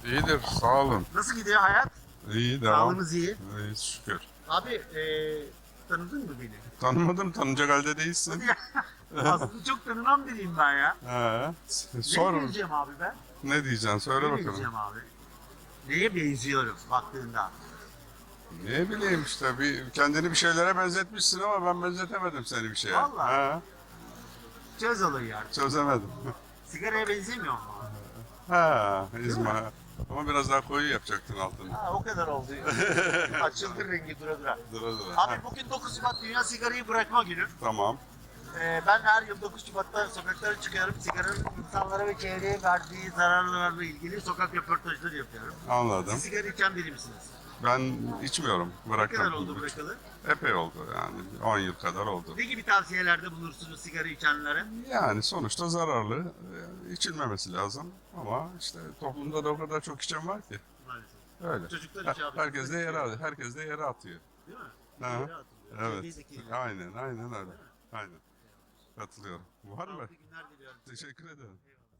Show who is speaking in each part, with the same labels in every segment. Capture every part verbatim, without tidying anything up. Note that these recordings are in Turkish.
Speaker 1: İyidir, sağ olun.
Speaker 2: Nasıl gidiyor hayat?
Speaker 1: İyi, devam.
Speaker 2: Sağlığınız iyi.
Speaker 1: İyi, şükür.
Speaker 2: Abi eee tanıdın mı beni?
Speaker 1: Tanımadım, tanıyacak halde değilsin.
Speaker 2: Aslında çok tanınan biriyim ben ya.
Speaker 1: He.
Speaker 2: Neye
Speaker 1: Sor,
Speaker 2: benziyorum abi ben?
Speaker 1: ne diyeceksin, söyle
Speaker 2: Neye
Speaker 1: bakalım.
Speaker 2: benziyorum abi? Neye benziyorum baktığında?
Speaker 1: Ne bileyim işte, bir, kendini bir şeylere benzetmişsin ama ben benzetemedim seni bir şeye.
Speaker 2: Vallahi.
Speaker 1: He,
Speaker 2: Çöz olayı yani.
Speaker 1: çözemedim.
Speaker 2: Sigaraya benzemiyor mu abi?
Speaker 1: Ha, izma. Ama biraz daha koyu yapacaktın altını.
Speaker 2: Ha, o kadar oldu. Açıldı rengi dura dura.
Speaker 1: Dura dura.
Speaker 2: Abi
Speaker 1: Ha,
Speaker 2: bugün dokuz Şubat Dünya Sigarayı Bırakma Günü.
Speaker 1: tamam.
Speaker 2: Ee, ben her yıl dokuz Şubat'ta sokaklara çıkıyorum. Sigaranın insanlara ve çevreye verdiği zararlarla ilgili sokak röportajları yapıyorum.
Speaker 1: Anladım.
Speaker 2: Siz sigara içen biri misiniz?
Speaker 1: Ben içmiyorum,
Speaker 2: Ne
Speaker 1: bıraktım.
Speaker 2: kadar oldu bırakalı?
Speaker 1: Epey oldu yani, on yıl kadar oldu.
Speaker 2: Ne gibi tavsiyelerde bulursunuz sigara içenlere?
Speaker 1: Yani sonuçta zararlı, e, içilmemesi lazım ama işte toplumda da o kadar çok içen var ki.
Speaker 2: Maalesef.
Speaker 1: Öyle.
Speaker 2: Çocuklar
Speaker 1: Her-
Speaker 2: içiyor abi.
Speaker 1: Herkes de yere atıyor. Herkes de yere atıyor.
Speaker 2: Değil mi?
Speaker 1: Ha,
Speaker 2: Yere atılıyor.
Speaker 1: evet.
Speaker 2: Çevreyi de kirletiyor.
Speaker 1: Aynen, aynen öyle. Aynen. Katılıyorum. Var mı?
Speaker 2: Sağlıklı günler diliyorum.
Speaker 1: Teşekkür ederim.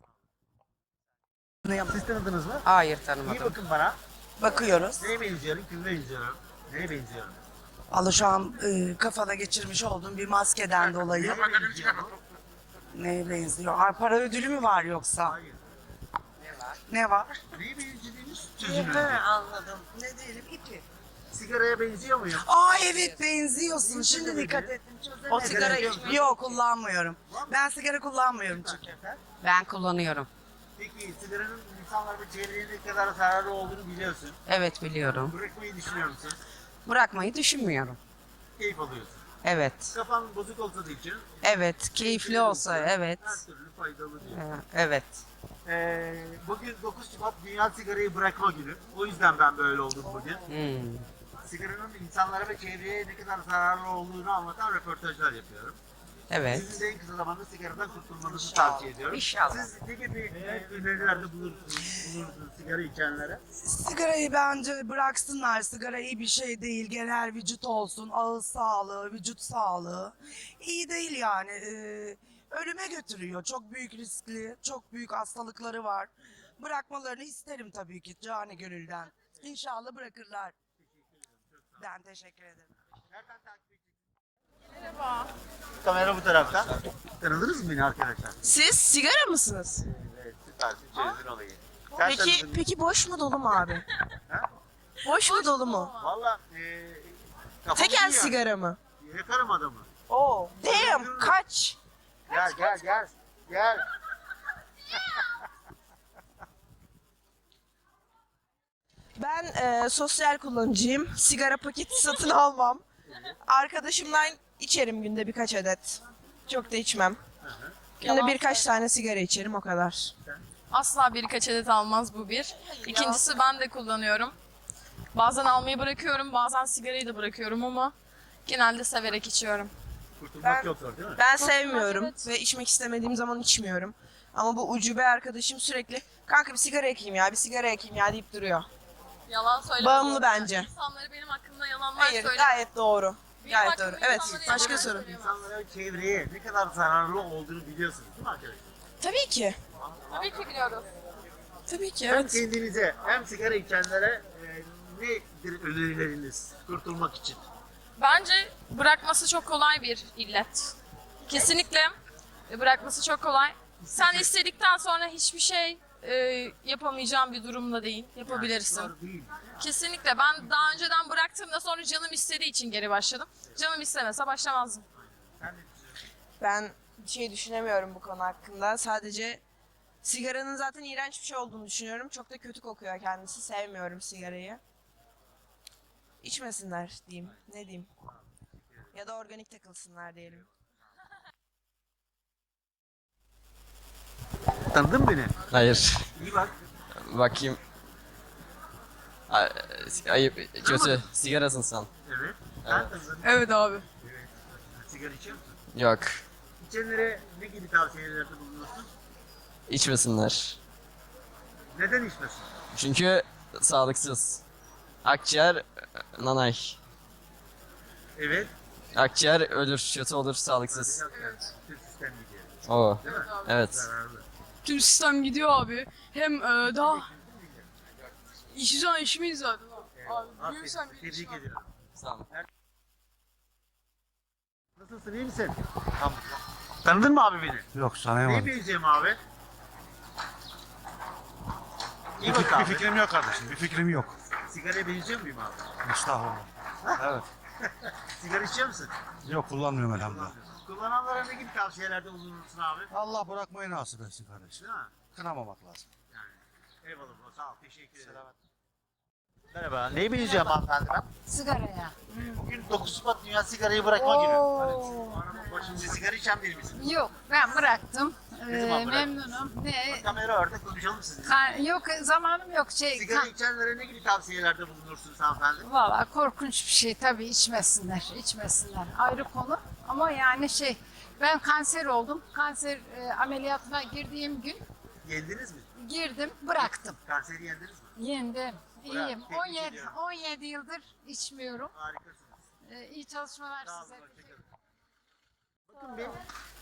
Speaker 2: Siz tanıdınız mı?
Speaker 3: Hayır
Speaker 2: İyi
Speaker 3: tanımadım.
Speaker 2: bakın bana.
Speaker 3: Bakıyoruz.
Speaker 2: Neye benziyorum, kime benziyorum? Neye benziyorum?
Speaker 3: Valla şu an e, kafada geçirmiş olduğum bir maskeden dolayı
Speaker 2: Neye benziyorum?
Speaker 3: neye benziyor? Ay, para ödülü mü var yoksa?
Speaker 2: Hayır.
Speaker 3: Ne var?
Speaker 2: Neye benzediğiniz çözün
Speaker 3: He,
Speaker 2: önce.
Speaker 3: anladım. Ne diyelim ipi.
Speaker 2: Sigaraya benziyor muyum?
Speaker 3: Aa evet benziyorsun. Şimdi dikkat ettim.
Speaker 2: O
Speaker 3: O sigara içmiyor. Yok kullanmıyorum. Ben sigara kullanmıyorum çünkü. Ben kullanıyorum.
Speaker 2: Peki sigaranın insanlar ve çevreye ne kadar zararlı olduğunu biliyorsun.
Speaker 3: Evet biliyorum.
Speaker 2: Bırakmayı düşünüyor musun?
Speaker 3: Bırakmayı düşünmüyorum.
Speaker 2: Keyif alıyorsun.
Speaker 3: Evet.
Speaker 2: Kafan bozuk olsa da için
Speaker 3: Evet. Keyifli olsa evet.
Speaker 2: her türlü faydalı diyor.
Speaker 3: Ee, Evet.
Speaker 2: Ee, bugün dokuz Şubat Dünya Sigarayı Bırakma Günü. O yüzden ben böyle oldum bugün.
Speaker 3: Hmm.
Speaker 2: Sigaranın insanlara ve çevreye ne kadar zararlı olduğunu anlatan röportajlar yapıyorum.
Speaker 3: Evet.
Speaker 2: Sizin de en kısa zamanda sigaradan kurtulmanızı tavsiye ediyorum.
Speaker 3: İnşallah.
Speaker 2: Siz ne gibi e, önerilerde bulursunuz, bulursunuz sigara içenlere?
Speaker 3: Sigarayı bence bıraksınlar. Sigara iyi bir şey değil. Genel vücut olsun, ağız sağlığı, vücut sağlığı. İyi değil yani. Ee, ölüme götürüyor. Çok büyük riskli, çok büyük hastalıkları var. Bırakmalarını isterim tabii ki cani gönülden. İnşallah bırakırlar. Ben teşekkür ederim.
Speaker 2: Nereden takip edeceksiniz? Merhaba. Kamera bu tarafta. Tanıdınız mı beni arkadaşlar?
Speaker 4: Siz sigara mısınız?
Speaker 2: Evet, süpersin. Çözdün olayı. Sen
Speaker 4: Peki
Speaker 2: tanıdın mı?
Speaker 4: peki boş mu dolu mu abi?
Speaker 2: Ha?
Speaker 4: Boş mu dolu mu?
Speaker 2: Valla e, kafam
Speaker 4: Tek
Speaker 2: iyi
Speaker 4: el
Speaker 2: yani.
Speaker 4: sigara mı?
Speaker 2: Yakarım adamı.
Speaker 4: Oo. Damn kaç?
Speaker 2: Gel gel gel. Gel.
Speaker 4: Ben e, sosyal kullanıcıyım. Sigara paketi satın almam. Arkadaşımdan içerim günde birkaç adet. Çok da içmem. Günde birkaç tane sigara içerim o kadar.
Speaker 5: Asla birkaç adet almaz bu bir. İkincisi ben de kullanıyorum. Bazen almayı bırakıyorum, bazen sigarayı da bırakıyorum ama genelde severek içiyorum.
Speaker 2: Kurtulmak
Speaker 4: Ben-
Speaker 2: çok zor değil mi?
Speaker 4: Ben sevmiyorum
Speaker 5: evet.
Speaker 4: ve içmek istemediğim zaman içmiyorum. Ama bu ucube arkadaşım sürekli kanka bir sigara ekeyim ya bir sigara ekeyim ya deyip duruyor.
Speaker 5: Yalan söyleme.
Speaker 4: Bağımlı bence.
Speaker 5: İnsanları benim hakkımda yalanlar
Speaker 4: Hayır
Speaker 5: söyleme.
Speaker 4: gayet doğru.
Speaker 5: Benim
Speaker 4: Gayet
Speaker 5: hakkımda
Speaker 4: doğru. Evet
Speaker 5: insanlara
Speaker 4: başka
Speaker 5: yalanlar
Speaker 4: soru.
Speaker 5: söyleyemem.
Speaker 2: İnsanlara ve çevreye ne kadar zararlı olduğunu biliyorsunuz değil mi arkadaşlar?
Speaker 4: Tabii ki.
Speaker 5: Tabii ki biliyoruz.
Speaker 4: Tabii ki
Speaker 2: Hem
Speaker 4: evet.
Speaker 2: kendinize hem sigara içenlere e, nedir önerileriniz kurtulmak için?
Speaker 5: Bence bırakması çok kolay bir illet. Kesinlikle bırakması çok kolay. Sen istedikten sonra hiçbir şey e, yapamayacağın bir durumda değil. Yapabilirsin.
Speaker 2: Zor değil.
Speaker 5: Kesinlikle. Ben daha önceden bıraktığımda sonra canım istediği için geri başladım. Canım istemese başlamazdım.
Speaker 2: Sen ne düşünüyorsun?
Speaker 4: Ben bir şey düşünemiyorum bu konu hakkında. Sadece sigaranın zaten iğrenç bir şey olduğunu düşünüyorum. Çok da kötü kokuyor kendisi. Sevmiyorum sigarayı. İçmesinler diyeyim. Ne diyeyim? Ya da organik takılsınlar diyelim.
Speaker 2: Tanıdın mı beni?
Speaker 6: Hayır.
Speaker 2: İyi bak.
Speaker 6: Bakayım. Ay- Ayıp, kötü. Sigarasın sen.
Speaker 2: Evet. Sen tanıdın.
Speaker 4: Evet abi.
Speaker 2: Evet. Sigara içiyor musun?
Speaker 6: Yok.
Speaker 2: İçenlere ne gibi tavsiyelerde bulunursun?
Speaker 6: İçmesinler.
Speaker 2: Neden içmesin?
Speaker 6: Çünkü sağlıksız. Akciğer nanay.
Speaker 2: Evet.
Speaker 6: Akciğer ölür, kötü olur, sağlıksız.
Speaker 2: Evet. Tüm sistem gidiyor.
Speaker 6: Oo.
Speaker 2: Değil mi?
Speaker 6: Evet.
Speaker 2: Zararlı.
Speaker 7: Tüm sistem gidiyor abi. Hem e, daha İşi zaman işimiz zaten.
Speaker 2: Eyvallah.
Speaker 7: Abi büyürsen
Speaker 2: Aferin,
Speaker 7: bir iş
Speaker 2: Tebrik
Speaker 7: var.
Speaker 2: ediyorum.
Speaker 6: Sağ olun.
Speaker 2: Nasılsın, iyi misin? Tamam. Tanıdın mı abi beni?
Speaker 8: Yok
Speaker 2: Neyi
Speaker 8: tanıyamadım.
Speaker 2: benziyorum abi? İyi
Speaker 8: Bir,
Speaker 2: bak
Speaker 8: fik- bir
Speaker 2: abi.
Speaker 8: fikrim yok kardeşim. Bir fikrim yok.
Speaker 2: Sigaraya benziyor muyum abi?
Speaker 8: Estağfurullah. Evet.
Speaker 2: Sigara içiyor musun?
Speaker 8: Yok kullanmıyorum elhamdülillah.
Speaker 2: Kullananlara ne gibi tavsiyelerde bulunursun abi?
Speaker 8: Allah bırakmayı nasip etsin kardeşim.
Speaker 2: Değil mi?
Speaker 8: Kınamamak lazım.
Speaker 2: Yani. Eyvallah bro, sağ ol, teşekkür ederim. Merhaba, neyi benziyorum hanımefendi ben?
Speaker 9: Sigaraya.
Speaker 2: Bugün dokuz Şubat Dünya Sigarayı Bırakma Günü. Şimdi sigara içen biri misin?
Speaker 9: Yok ben bıraktım.
Speaker 2: Ne
Speaker 9: Ee,
Speaker 2: zaman bıraktın?
Speaker 9: memnunum. Ne?
Speaker 2: Kamera orada konuşalım sizinle.
Speaker 9: Ka- yok zamanım yok şey.
Speaker 2: Sigara
Speaker 9: ka-
Speaker 2: içenlere ne gibi tavsiyelerde bulunursunuz hanımefendi?
Speaker 9: Valla korkunç bir şey tabii içmesinler, içmesinler. Ayrı konu ama yani şey ben kanser oldum. Kanser e, ameliyatına girdiğim gün
Speaker 2: Yendiniz mi?
Speaker 9: girdim, bıraktım.
Speaker 2: Kanseri yendiniz mi?
Speaker 9: Yendim. İyiyim.
Speaker 2: tebrik
Speaker 9: on yedi
Speaker 2: ediyorum.
Speaker 9: on yedi yıldır içmiyorum.
Speaker 2: Harikasınız.
Speaker 9: Ee, iyi çalışmalar
Speaker 2: Sağ olun,
Speaker 9: size.
Speaker 2: hoşçakalın. Bakın bir.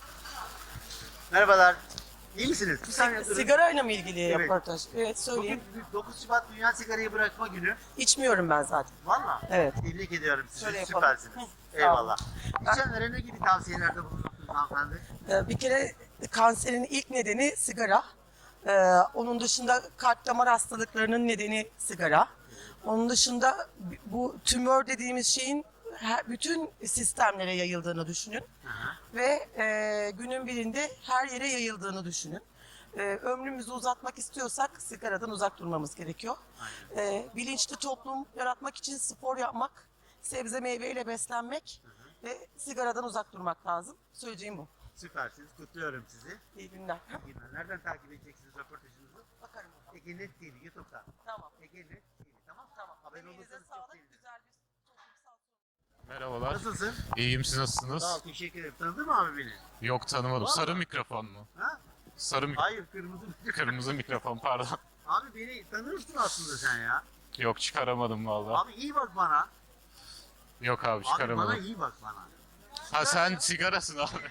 Speaker 2: Merhabalar. İyi misiniz? Bir saniye durun.
Speaker 10: Sigarayla mı ilgili
Speaker 2: Evet.
Speaker 10: röportaj? Evet söyleyeyim.
Speaker 2: Bugün dokuz Şubat Dünya Sigarayı Bırakma Günü.
Speaker 10: İçmiyorum ben zaten.
Speaker 2: Valla.
Speaker 10: Evet.
Speaker 2: Tebrik ediyorum sizi.
Speaker 10: Şöyle yapalım.
Speaker 2: Süpersiniz.
Speaker 10: Hı,
Speaker 2: Eyvallah.
Speaker 10: Ben-
Speaker 2: İçenlere ne gibi tavsiyelerde bulunursunuz hanımefendi?
Speaker 10: Ee, Bir kere kanserin ilk nedeni sigara. Ee, Onun dışında kalp damar hastalıklarının nedeni sigara. Onun dışında bu tümör dediğimiz şeyin her- bütün sistemlere yayıldığını düşünün. Ve e, günün birinde her yere yayıldığını düşünün. E, ömrümüzü uzatmak istiyorsak sigaradan uzak durmamız gerekiyor. E, bilinçli toplum yaratmak için spor yapmak, sebze meyveyle beslenmek ve sigaradan uzak durmak lazım. Söyleyeceğim bu.
Speaker 2: Süpersiniz. Kutluyorum sizi.
Speaker 10: İyi günler.
Speaker 2: İyi günler. Nereden takip edeceksiniz röportajınızı?
Speaker 10: Bakarım.
Speaker 2: Ege Net T V YouTube'dan.
Speaker 10: Tamam.
Speaker 2: Ege Net T V. Tamam.
Speaker 10: Tamam.
Speaker 2: Haber
Speaker 10: Emeğinize
Speaker 2: olursanız çok
Speaker 10: sağlık.
Speaker 2: sevinirim.
Speaker 10: Güzel bir toplumsal
Speaker 11: Merhabalar.
Speaker 2: Nasılsın?
Speaker 11: İyiyim, siz nasılsınız?
Speaker 2: Sağ ol. Teşekkür ederim. Tanıdın mı abi beni?
Speaker 11: Yok, tanımadım.
Speaker 2: Vallahi.
Speaker 11: Sarı mikrofon mu?
Speaker 2: Ha?
Speaker 11: Sarı mik-
Speaker 2: Hayır. Kırmızı.
Speaker 11: Kırmızı mikrofon, pardon.
Speaker 2: Abi beni tanırsın aslında sen ya.
Speaker 11: Yok, çıkaramadım vallahi.
Speaker 2: Abi iyi bak bana.
Speaker 11: Yok abi,
Speaker 2: Abi bana
Speaker 11: çıkaramadım.
Speaker 2: iyi bak bana.
Speaker 11: Ha, sen sigarasın abi.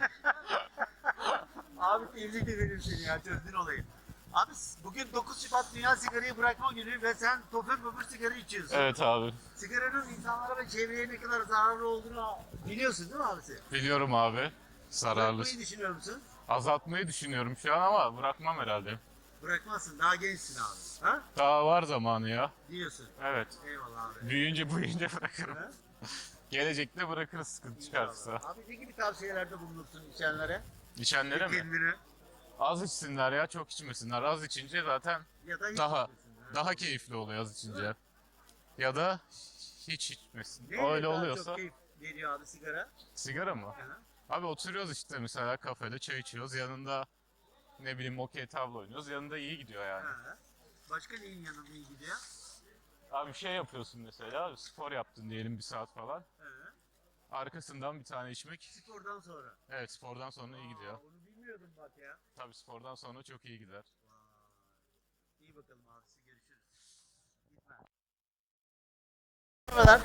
Speaker 2: Abi tebrik ederim seni ya, çözdün olayı. Abi bugün dokuz Şubat Dünya Sigarayı Bırakma Günü ve sen topür topür sigara içiyorsun.
Speaker 11: Evet abi.
Speaker 2: Sigaranın insanlara ve çevreye ne kadar zararlı olduğunu biliyorsun değil mi abisi?
Speaker 11: Biliyorum abi. Zararlı.
Speaker 2: Bırakmayı düşünüyor musun?
Speaker 11: Azaltmayı düşünüyorum şu an ama bırakmam herhalde.
Speaker 2: Bırakmazsın, daha gençsin abi. Ha?
Speaker 11: Daha var zamanı ya.
Speaker 2: Diyorsun.
Speaker 11: Evet.
Speaker 2: Eyvallah abi.
Speaker 11: Büyüyünce büyüyünce bırakırım.
Speaker 2: Ha?
Speaker 11: Gelecekte bırakırız sıkıntı çıkarsa.
Speaker 2: Abi ne gibi tavsiyelerde bulunursun içenlere?
Speaker 11: İçenlere mi?
Speaker 2: Kendine.
Speaker 11: Az içsinler ya, çok içmesinler. Az içince zaten
Speaker 2: Ya da hiç
Speaker 11: Daha-
Speaker 2: içmesin, ha?
Speaker 11: daha keyifli oluyor az içince. Ya da hiç içmesin.
Speaker 2: Neyle
Speaker 11: Öyle
Speaker 2: daha
Speaker 11: oluyorsa
Speaker 2: çok keyif veriyor abi sigara?
Speaker 11: sigara mı?
Speaker 2: Aha.
Speaker 11: Abi oturuyoruz işte mesela kafede çay içiyoruz. Yanında ne bileyim okey tavla oynuyoruz. Yanında iyi gidiyor yani.
Speaker 2: Ha. Başka neyin yanında iyi gidiyor?
Speaker 11: Abi şey yapıyorsun mesela spor yaptın diyelim bir saat falan.
Speaker 2: Ha.
Speaker 11: Arkasından bir tane içmek.
Speaker 2: Spordan sonra.
Speaker 11: Evet, spordan sonra iyi gidiyor.
Speaker 2: Aa, onu bilmiyordum bak ya.
Speaker 11: Tabii spordan sonra çok iyi gider.
Speaker 2: Vay. İyi bakalım abisi, görüşürüz. Gitme. Merhabalar.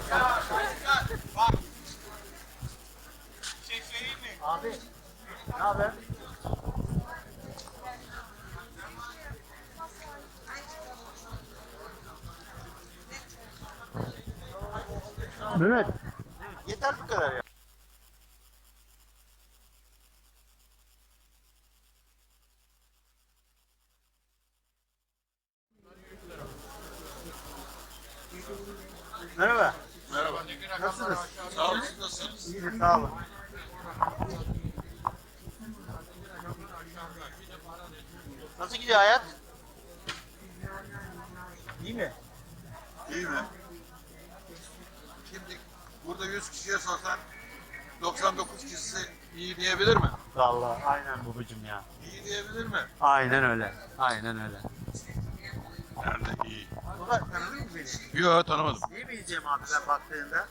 Speaker 2: Abi, ne haber? Mehmet. Yeter bu kadar ya. Merhaba.
Speaker 1: Merhaba.
Speaker 2: Nasılsınız?
Speaker 1: Sağ olun, siz nasılsınız?
Speaker 2: İyiyim, sağ olun. Nasıl gidiyor hayat? İyi mi?
Speaker 1: İyi mi? Şimdi burada yüz kişiye sorsan doksan dokuz kişisi iyi diyebilir mi?
Speaker 2: Vallahi aynen babacım ya.
Speaker 1: İyi diyebilir mi?
Speaker 2: Aynen öyle. Aynen öyle.
Speaker 1: Nerede iyi?
Speaker 2: Baba tanıdın mı beni?
Speaker 1: Yok, tanımadım.
Speaker 2: Neyi bileceğim abi ben baktığında?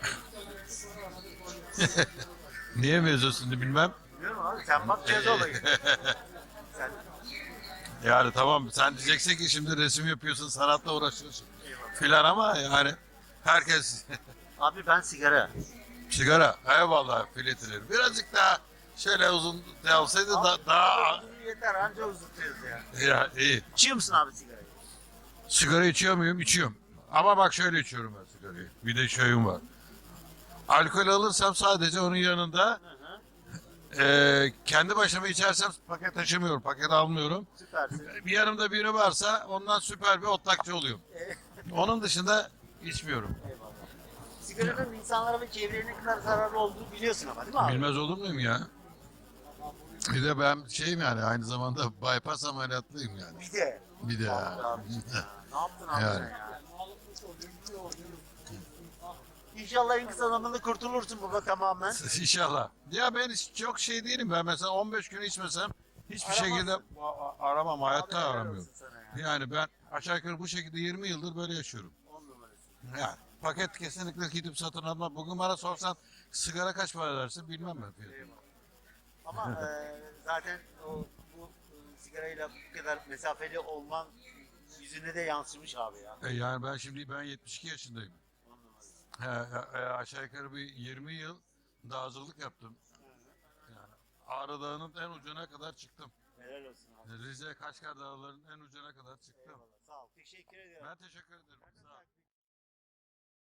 Speaker 1: Niye mevzusunu bilmem.
Speaker 2: Bilmiyorum abi, sen bak çöz olayı. Sen
Speaker 1: Yani tamam, sen diyeceksin ki şimdi resim yapıyorsun, sanatla uğraşıyorsun filan ama yani herkes
Speaker 2: abi ben sigara.
Speaker 1: sigara, eyvallah filetilir. Birazcık daha şöyle uzun yapsaydı da, daha
Speaker 2: Abi, yeter anca uzutuyoruz ya.
Speaker 1: ya iyi.
Speaker 2: İçiyor musun abi sigarayı?
Speaker 1: Sigara içiyor muyum? İçiyorum. Ama bak şöyle içiyorum ben sigarayı. Bir de şeyim var. Alkol alırsam sadece onun yanında eee, kendi başıma içersem paket taşımıyorum, paket almıyorum.
Speaker 2: Süpersin.
Speaker 1: Bir yanımda biri varsa ondan süper bir otlakçı oluyorum. Onun dışında içmiyorum.
Speaker 2: Eyvallah. Sigaranın insanlara ve çevreye ne kadar zararlı olduğunu biliyorsun ama değil mi abi?
Speaker 1: Bilmez olur muyum ya? Bir de ben şeyim yani aynı zamanda bypass ameliyatlıyım yani.
Speaker 2: Bir de.
Speaker 1: Bir de ya.
Speaker 2: Abi, ne yaptın abi
Speaker 1: Yani.
Speaker 2: sen ya? İnşallah en kısa zamanda kurtulursun baba tamamen.
Speaker 1: İnşallah. Ya ben hiç- çok şey değilim. Ben mesela on beş gün içmesem hiçbir
Speaker 2: Aramazsın.
Speaker 1: şekilde a- a- aramam. Hayatta
Speaker 2: Abi helal
Speaker 1: aramıyorum.
Speaker 2: olsun sana ya.
Speaker 1: Yani ben aşağı yukarı bu şekilde yirmi yıldır böyle yaşıyorum.
Speaker 2: On numarası.
Speaker 1: Yani paket kesinlikle gidip satın almam. Bugün bana sorsan sigara kaç para dersin bilmem ben fiyatını.
Speaker 2: Ama e, zaten o bu e, sigarayla bu kadar mesafeli olman yüzüne de yansımış abi ya.
Speaker 1: E yani ben şimdi ben yetmiş iki yaşındayım.
Speaker 2: On numarası.
Speaker 1: He, e, aşağı yukarı bir yirmi yıl dağcılık yaptım. Yani Ağrı Dağı'nın en ucuna kadar çıktım.
Speaker 2: Helal olsun abi.
Speaker 1: Rize Kaşgar Dağları'nın en ucuna kadar çıktım.
Speaker 2: Eyvallah. Sağ ol. Teşekkür ediyorum.
Speaker 1: Ben teşekkür ederim. Sağ ol.